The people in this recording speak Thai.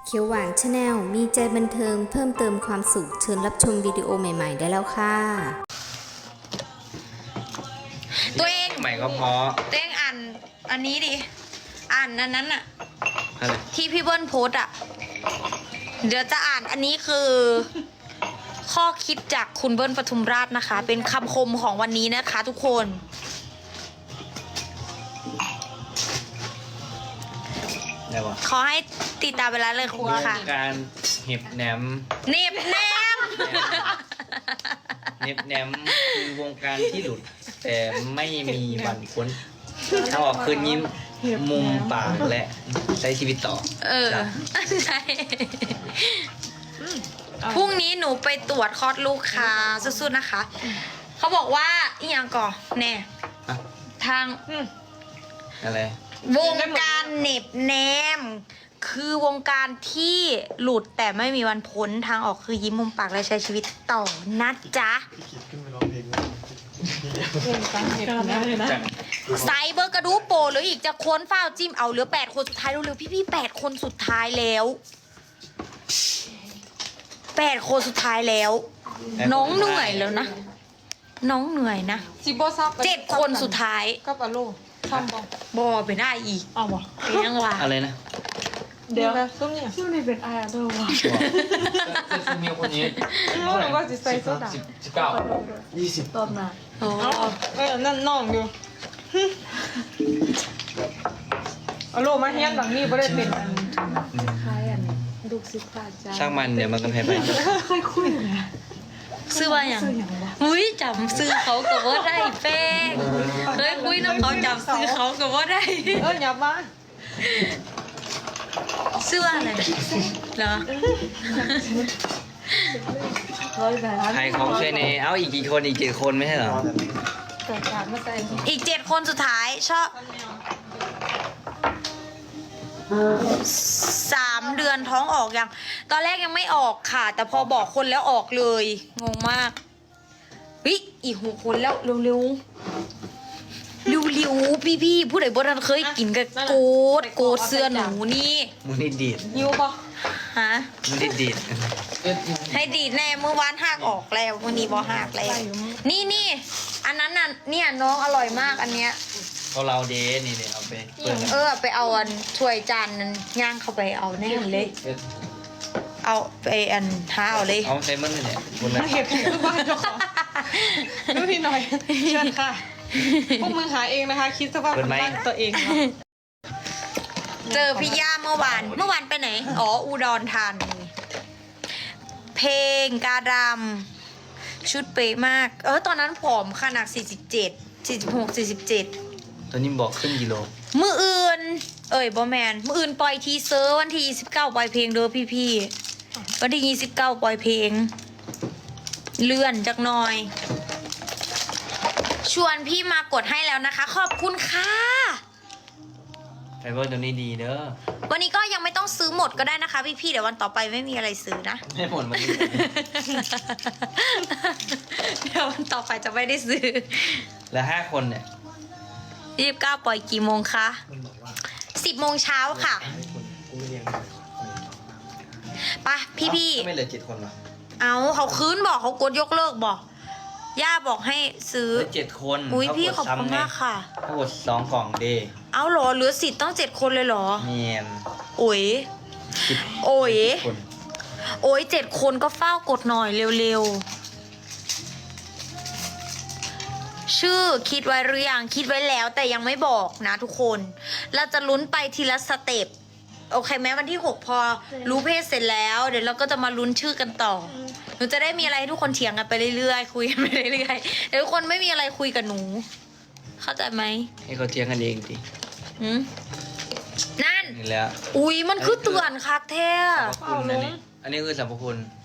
เขียวหวานชาแนลมีใจบันเทิงเพิ่มเติมความสุขเชิญรับชมวิดีโอใหม่ๆได้แล้วค่ะตัวเองใหม่ก็พอตัวเองอ่านอันนี้ดิอ่านอันนั้นอะอะไรที่พี่เบิ้ลโพสอะเดี๋ยวจะอ่านอันนี้คือ ข้อคิดจากคุณเบิ้ลปทุมราชนะคะ เป็นคำคมของวันนี้นะคะทุกคนได้ปะขอให้ติดตามเวลาเลยครูค่ะการเห็บแหนมเน็บแนมเห็บแหนมคือวงการที่หลุด แต่ไม่มีวันพ้นถ้าออกคืนยิ้มมุมปากและใช้ชีวิตต่อเออใช่พรุ่งนี้หนูไปตรวจคลอดลูกค่ะสู้ๆนะคะ เขาบอกว่าอีหยังก่อนแน่อะทางอะไรวงการเหน็บแนม คือวงการที่หลุดแต่ไม่มีวันพ้นทางออกคือยิ้มมุมปากและใช้ชีวิตต่อนะจ๊ะจากไซเบอร์กระดูโปรหรืออีกจะค้นฝ้าวจิ้มเอาเหลือ8 คนสุดท้ายเร็วๆพี่ๆ8 คนสุดท้ายแล้ว8 คนสุดท้ายแล้ว น้องเหนื่อยแล้วนะ น้องเหนื่อยนะจิบซับ 7 คนสุดท้ายกับอโลทำบ่บอไปได้อีกเอาบ่เป็นยังวะอะไรนะเดี๋ยวซุ้มเนี่ยซุ้มนี่เป็นไออาร์เดอร์ว่ะจะมีคนนี้น้องหนูว่าจะใส่โซดา 19 ตอนมาโอ้นั่นน้องอยู่อโลมาเฮียนหลังนี้บ่ได้เป็นคล้ายอันลูกศิษย์อาจารย์ช่างมันเดี๋ยวมันกันไปค่อยคุยนะซื้อว่าอย่างอุ้ยจำซื้อเขากับว่าได้แป้งเคยคุยน้ำเขาจำซื้อเขากับว่าได้อย่ามาซื้อว่าอะไรเหรอร้อยบาทใครของช่วยในเอ้าอีกกี่คนอีก7 คนไม่ใช่เหรอเกิดการมาใส่อีก7 คนสุดท้ายชอบ3 เดือนท้องออกยังตอนแรกยังไม่ออกค่ะ แต่พอบอกคนแล้วออกเลยงงมากวิอีก6 คนแล้วเร็วๆเร็วๆพี่ๆผู้ใดบ่ทันเคยกินกับโกดเสื้อหนูนี่มูนี่ดีดยิวปะฮะมูนี่ดีดให้ดีดแน่เมื่อวานหักออกแล้ววันนี้บอหักแล้วนี่อันนั้นน่ะเนี่ยน้องอร่อยมากอันเนี้ยเขาเราเดนี่เอาไปเปิดไปเอาอันถ้วยจานนั้นย่างเข้าไปเอาแน่เลย เอาไปอันหาเอาเลยเอาใช้มันเนี่ยคนละมาเห็ดทุกบ้านเจ้าของดูพี่หน่อยเชิญค่ะพวกมึงหาเองนะคะ คิดสภาพบ้านตัวเองค่ะเจอพี่ย่าเมื่อวานไปไหนอ๋ออุดรธานีเพลงกาดำชุดเป๊ะมากตอนนั้นผอมขนาด47 46 47 ตอนนี้บอกขึ้นกิโลมืออื่นบอแมนมืออื่นปล่อยทีเซอร์วันที่29ปล่อยเพลงเด้อพี่ๆวันที่29ปล่อยเพลงเลื่อนจักหน่อย ชวนพี่มากดให้แล้วนะคะ ขอบคุณค่ะไฟเบอร์ตัวนี้ดีเด้อวันนี้ก็ยังไม่ต้องซื้อหมดก็ได้นะคะพี่ๆเดี๋ยววันต่อไปไม่มีอะไรซื้อนะไม่หมดมันเดี๋ยววันต่อไปจะไม่ได้ซื้อแล้ว5 คนเนี่ย 29ปล่อยกี่โมงคะ10 โมงเช้าค่ะไปพี่ไม่เหลือ7 คนหรอๆเอาเขาคืนบอกเขากดยกเลิกบอกย่าบอกให้ซื้อเหลือ7 คนอุ้ยเขาพี่กดขอบคุณซ้ำไงมากค่ะเขากด2 กล่องเดเอาเหรอเหลือสิทธิ์ต้อง7 คนเลยเหรอเนียนโอ้ย 10 โอ้ยคนโอ้ย7 คนก็เฝ้ากดหน่อยเร็วๆชื่อคิดไว้หรือยังคิดไว้แล้วแต่ยังไม่บอกนะทุกคน เราจะลุ้นไปทีละสเต็ปโอเคไหมวันที่6พอรู้เพศเสร็จแล้วเดี๋ยวเราก็จะมาลุ้นชื่อกันต่อหนูจะได้มีอะไรให้ทุกคนเถียงกันไปเรื่อยๆคุยกันไปเรื่อยๆเดี๋ยวทุกคนไม่มีอะไรคุยกับหนู เข้าใจไหมให้เขาเทียงกันเองดิหืมนั่นนี่แหล้วอุ๊ยมันคือเตือนคักแท้สรรพคุณนะนี่อันนี้คือสรรพคุณ